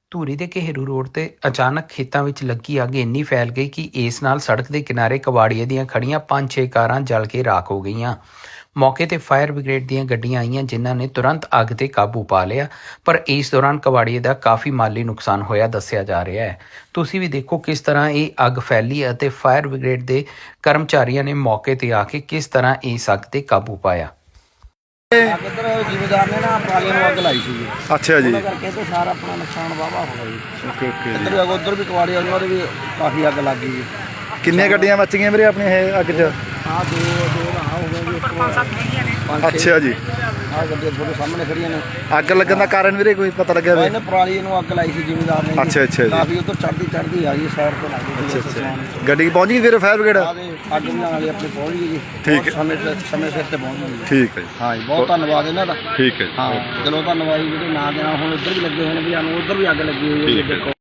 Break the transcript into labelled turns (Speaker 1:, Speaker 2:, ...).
Speaker 1: ਧੂਰੀ ਦੇ ਘੇਰੂ ਰੋਡ ਤੇ ਅਚਾਨਕ ਖੇਤਾਂ ਵਿੱਚ ਲੱਗੀ ਅੱਗ ਇੰਨੀ ਫੈਲ ਗਈ ਕਿ ਇਸ ਨਾਲ ਸੜਕ ਦੇ ਕਿਨਾਰੇ ਕਬਾੜੀਏ ਦੀਆਂ ਖੜੀਆਂ 5-6 ਕਾਰਾਂ ਜਲ ਕੇ ਰਾਖ ਹੋ ਗਈਆਂ। ਮੌਕੇ ਤੇ ਫਾਇਰ ਬ੍ਰਿਗੇਡ ਦੀਆਂ ਗੱਡੀਆਂ ਆਈਆਂ ਜਿਨ੍ਹਾਂ ਨੇ ਤੁਰੰਤ ਅੱਗ ਤੇ ਕਾਬੂ ਪਾ ਲਿਆ, ਪਰ ਇਸ ਦੌਰਾਨ ਕਬਾੜੀਏ ਦਾ ਕਾਫੀ ਮਾਲੀ ਨੁਕਸਾਨ ਹੋਇਆ ਦੱਸਿਆ ਜਾ ਰਿਹਾ ਹੈ। ਤੁਸੀਂ ਵੀ ਦੇਖੋ ਕਿਸ ਤਰ੍ਹਾਂ ਇਹ ਅੱਗ ਫੈਲੀ ਅਤੇ ਫਾਇਰ ਬ੍ਰਿਗੇਡ ਦੇ ਕਰਮਚਾਰੀਆਂ ਨੇ ਮੌਕੇ ਤੇ ਆ ਕੇ ਕਿਸ ਤਰ੍ਹਾਂ ਇਸ ਅੱਗ ਤੇ ਕਾਬੂ ਪਾਇਆ।
Speaker 2: ਇੱਧਰ ਜ਼ਿਮੀਦਾਰ ਨੇ ਨਾ ਪਰਾਲੀਆਂ ਨੂੰ ਅੱਗ ਲਾਈ ਸੀ।
Speaker 3: ਅੱਛਾ ਜੀ।
Speaker 2: ਉਹਨਾਂ ਕਰਕੇ ਤੇ ਸਾਰਾ ਆਪਣਾ ਨੁਕਸਾਨ ਵਾਹਵਾ ਹੋ ਗਿਆ ਜੀ।
Speaker 3: ਓਕੇ ਓਕੇ ਜੀ।
Speaker 2: ਇੱਧਰ ਉੱਧਰ ਵੀ ਕਵਾੜੀਆਂ ਉਹਨਾਂ ਦੇ ਵੀ ਕਾਫੀ ਅੱਗ ਲੱਗ ਗਈ ਜੀ।
Speaker 3: ਕਿੰਨੀਆਂ ਗੱਡੀਆਂ ਬਚ ਗਈਆਂ ਵੀਰੇ ਆਪਣੀਆਂ ਇਹ ਅੱਗ 'ਚ?
Speaker 2: ਆਹ ਦੋ ਰਾਹ ਹੋ ਗਏ ਜੀ। 5-7 ਹੈਗੀਆਂ ਨੇ।
Speaker 3: ਅੱਛਾ ਜੀ।
Speaker 2: ਆਹ ਗੱਡੀਆਂ ਤੁਹਾਡੇ ਸਾਹਮਣੇ ਖੜੀਆਂ ਨੇ।
Speaker 3: ਅੱਗ ਲੱਗਣ ਦਾ ਕਾਰਨ ਵੀਰੇ ਕੋਈ ਪਤਾ ਲੱਗਿਆ ਵੀ?
Speaker 2: ਇਹਨੇ ਪਰਾਲੀ ਨੂੰ ਅੱਗ ਲਾਈ ਸੀ ਜ਼ਿਮੀਦਾਰ ਨੇ।
Speaker 3: ਅੱਛਾ ਅੱਛਾ ਜੀ।
Speaker 2: ਕਾਫੀ ਉੱਧਰ ਚੜ੍ਹਦੀ ਆ ਗਈ ਸਾਈਡ ਤੋਂ ਲੱਗ ਗਈ।
Speaker 3: ਅੱਛਾ। ਗੱਡੀ ਪਹੁੰਚ ਗਈ ਵੀਰੇ ਫਾਇਰ ਬ੍ਰਿਗੇਡ?
Speaker 2: ਅੱਗ ਬੁਝਾਉਣ ਵਾਲੇ ਆਪਣੇ ਪਹੁੰਚ ਗਏ ਜੀ।
Speaker 3: ਠੀਕ ਹੈ।
Speaker 2: ਸਮੇਂ ਸਿਰ ਤੇ ਪਹੁੰਚ ਗਏ।
Speaker 3: ਠੀਕ ਹੈ ਜੀ।
Speaker 2: ਹਾਂ ਜੀ, ਬਹੁਤ ਧੰਨਵਾਦ ਇਹਨਾਂ ਦਾ।
Speaker 3: ਠੀਕ ਹੈ ਜੀ।
Speaker 2: ਹਾਂ ਚਲੋ ਧੰਨਵਾਦ ਜੀ। ਜਿਹੜੇ ਨਾ ਦੇਣਾ ਹੁਣ ਉੱਧਰ ਵੀ ਲੱਗੇ ਹੋਏ ਨੇ ਵੀ ਸਾਨੂੰ ਉੱਧਰ ਵੀ ਅੱਗ ਲੱਗੀ ਹੋਈ ਹੈ। ਦੇਖੋ